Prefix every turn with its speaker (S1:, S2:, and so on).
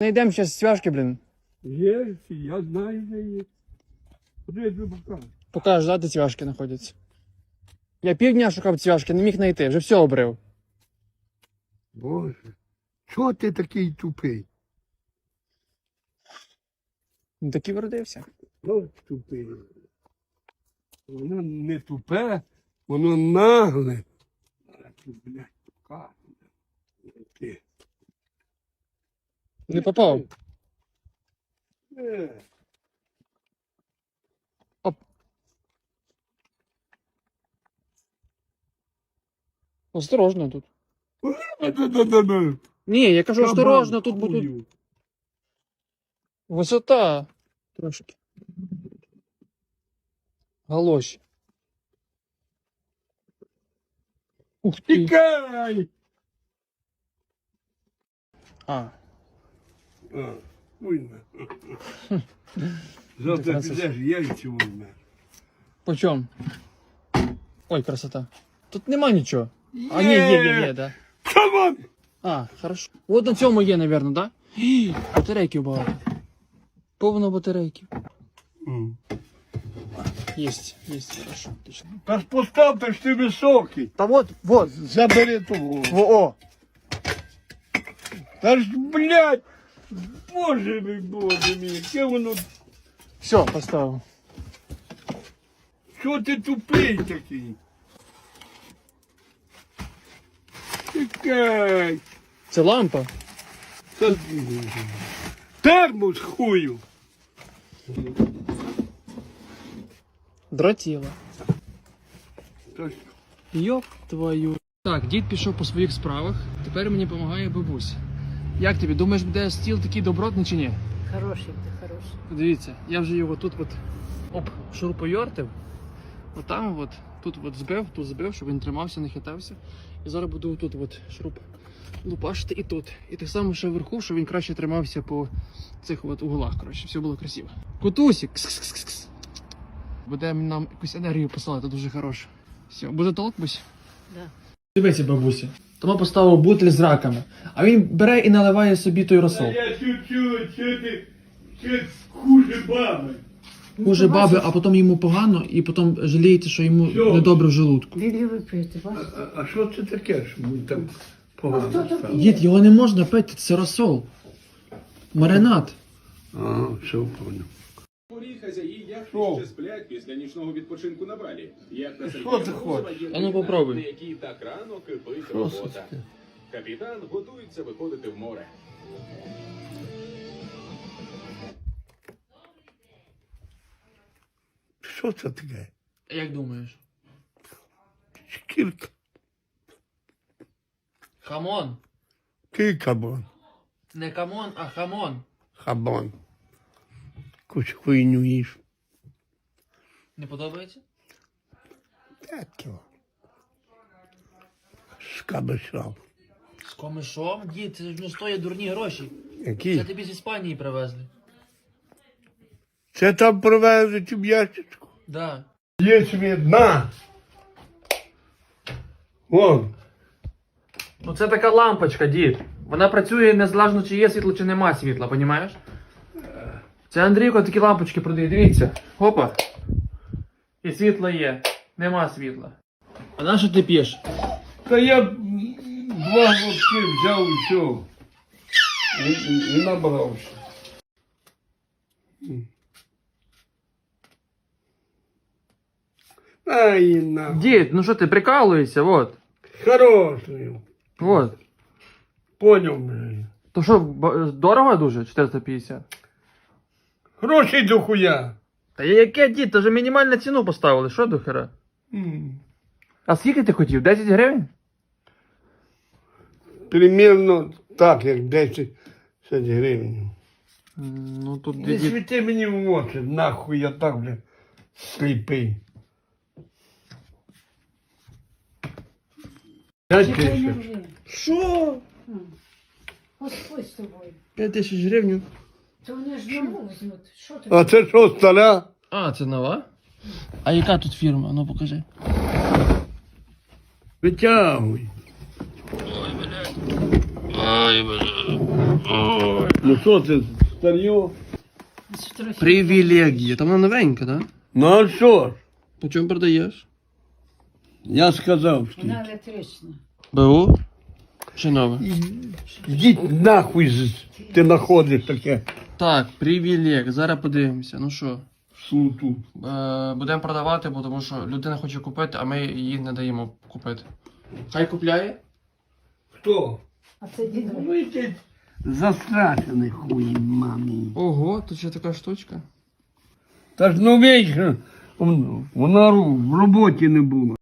S1: Найдемо зараз цвяшки, блін.
S2: Є, я знаю, де є. Куди я тобі покажу?
S1: Покажеш, да, де цвяшки знаходяться. Я півдня шукав цвяшки, не міг знайти, вже все обрив.
S2: Боже, чого ти такий тупий?
S1: Ну так і вродився.
S2: От тупий. Воно не тупе, воно нагле. А ти, блядь, покажу. Ти.
S1: Не попав.
S2: Е.
S1: Осторожно тут.
S2: Да-да-да-да.
S1: Ні, я кажу, осторожно, тут
S2: Кабан,
S1: буде
S2: хую.
S1: висота. Трошки. Галоші. Ух ти.
S2: Тікай!
S1: А.
S2: А, уйна. Завтра підеш, яйця візьмеш.
S1: По чому? Ой, красота. Тут нема нічого. А, ні, є, да.
S2: Кабан!
S1: А, хорошо. От на цьому є, напевно, да? Гі, батарейків багато. Повно батарейків. Єсть, хорошо, отлично.
S2: Та ж постав, та ж ти високий.
S1: Та вот.
S2: Забери того.
S1: О.
S2: Та ж, блядь, боже мій, яке воно,
S1: Все, поставив.
S2: що ти тупий такий? Тікай.
S1: Це лампа.
S2: Та- Термос хую.
S1: Дротіла.
S2: Та ж,
S1: Йоп твою. Так, дід пішов по своїх справах, тепер мені допомагає бабуся. Як тобі, думаєш, буде стіл такий добротний чи ні?
S3: Хороший ти, хороший.
S1: Дивіться, я вже його тут шуруповертив. Отам от, тут збив, щоб він тримався, не хитався. І зараз буду тут шуруп лупашити і тут. І так само ще вверху, щоб він краще тримався по цих углах, коротше, все було красиво. Котусик! Кс-кс-кс-кс. Буде нам якусь енергію посилати, дуже хороше. Все, буде толк, бусь?
S3: Да.
S1: Дивіться, бабуся. Тома поставив бутиль з раками, а він бере і наливає собі той розсол.
S2: я чуть-чуть, що ти хуже баби.
S1: Хуже баби, а потім йому погано, і потім жалієте, що йому
S2: Що?
S1: недобре в желудку.
S3: Лілі випити, бачиш?
S2: А що це таке, що ми там погано стало?
S1: Дід, його не можна пити, це розсол. Маринад.
S2: А, все, понял.
S4: Порі хазяї яхти
S2: Що?
S4: ще сплять після нічного відпочинку на Балі. Яхта
S2: Що
S4: Сергія
S2: ти
S4: Морозова
S2: хочеш?
S4: є
S1: А ну,
S4: на
S1: попробуй.
S4: якій так рано кипить
S2: Що це
S4: робота.
S2: таке?
S4: Капітан готується виходити в море.
S2: Що це таке?
S1: Як думаєш?
S2: Шкірка.
S1: Хамон.
S2: Ти кабан.
S1: Не камон, а хамон.
S2: Хабан. Кусь хуйню їш.
S1: Не подобається?
S2: Так його. Скабишав.
S1: З комишом? Дід, це ж не стоїть дурні гроші. Це
S2: Які?
S1: тобі з Іспанії привезли.
S2: Це там привезуть в ящичку.
S1: Да.
S2: Є світ, на! Вон.
S1: Ну це така лампочка, дід. Вона працює незалежно, чи є світло, чи нема світла, понімаєш? Це Андрійко такі лампочки продає, дивіться. Опа. І світло є. Нема світла. А на що ти п'єш?
S2: Та я два глотки взяв і все. І набрався. Ай, на.
S1: Дід, ну що ти прикалуєшся, вот.
S2: Хороший.
S1: Вот.
S2: Поняв, блядь.
S1: То що, дорого дуже? 450?
S2: Гроші до хуя.
S1: Та яке, дід, то вже мінімальну ціну поставили, що до хера? А скільки ти хотів? 10 гривень?
S2: Примірно так, як 10 гривень.
S1: Ну тут
S2: Не
S1: дід.
S2: світи мені в очі, нахуй я так, блядь, сліпий. 5 тисяч.
S1: Що?
S3: Господь з тобою.
S1: 5 тисяч гривень?
S3: То вони ж нову візьмуть. Що ти?
S2: А це що, стара?
S1: А, це нова? А яка тут фірма? Ну покажи.
S2: Витягуй.
S1: Ой, бля. Ой.
S2: Ну що це, старьо?
S1: Привілегія. Там вона новенька, так? Да?
S2: Ну а що ж?
S1: По чому продаєш?
S2: Я сказав, що
S3: Вона електрична.
S1: БУ? Чи нове?
S2: йдіть нахуй, ти знаходиш таке
S1: Так, привілег. Зараз подивимося. Ну що,
S2: суту.
S1: будемо продавати, бо тому що людина хоче купити, а ми її не даємо купити. Хай купляє?
S2: Хто?
S3: А це дідо.
S2: Ви ти застрашений хуй, мамі.
S1: Ого, тут ще така штучка.
S2: Та ж ну вічно, вона в роботі не була.